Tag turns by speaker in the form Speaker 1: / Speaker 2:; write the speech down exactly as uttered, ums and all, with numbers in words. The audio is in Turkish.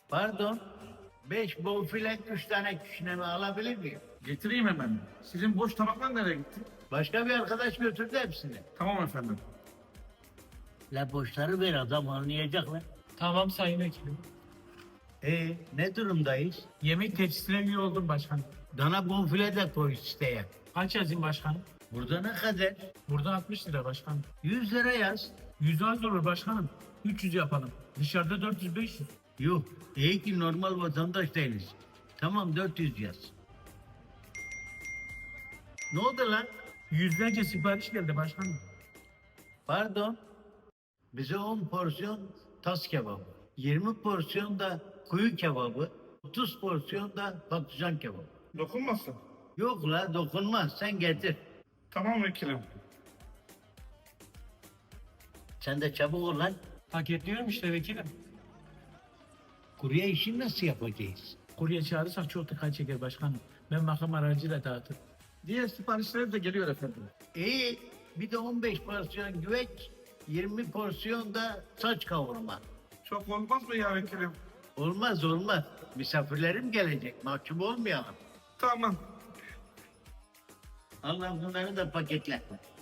Speaker 1: Pardon. Beş bonfile, üç tane küşneme alabilir miyim?
Speaker 2: Getireyim hemen. Sizin boş tabaklar nereye gitti?
Speaker 1: Başka bir arkadaş götürdü hepsini.
Speaker 2: Tamam efendim.
Speaker 1: La boşları ver, adam anlayacak lan.
Speaker 3: Tamam sayın vekilim.
Speaker 1: Ee, ne durumdayız?
Speaker 3: Yemek tepsisine üye oldum başkanım.
Speaker 1: Dana bonfile de koy isteye.
Speaker 3: Kaç yazayım başkanım?
Speaker 1: Burada ne kadar?
Speaker 3: Burada altmış lira başkanım.
Speaker 1: Yüz lira yaz.
Speaker 3: yüz az olur başkanım. üç yüz yapalım. Dışarıda dört yüz beş yüz.
Speaker 1: Yok, iyi ki normal vatandaş değiliz. Tamam, dört yüz yaz. Ne oldu lan?
Speaker 3: Yüzlerce sipariş geldi başkanım.
Speaker 1: Pardon. Bize on porsiyon tas kebabı, yirmi porsiyon da kuyu kebabı, otuz porsiyon da patlıcan kebabı.
Speaker 2: Dokunmasın.
Speaker 1: Yok la, dokunmaz, sen getir.
Speaker 2: Tamam vekilim.
Speaker 1: Sen de çabuk ol lan.
Speaker 3: Paketliyorum işte vekilim.
Speaker 1: Kurye işini nasıl yapacağız?
Speaker 3: Kurye çağırırsak çok dikkat çeker başkanım. Ben makam aracıyla dağıtırım.
Speaker 2: Diğer siparişler de geliyor efendim.
Speaker 1: İyi, bir de on beş porsiyon güveç, yirmi porsiyon da saç kavurma.
Speaker 2: Çok olmaz mı ya vekilim?
Speaker 1: Olmaz olmaz, misafirlerim gelecek, mahcup olmayalım.
Speaker 2: Tamam.
Speaker 1: Allah bunları da paketle.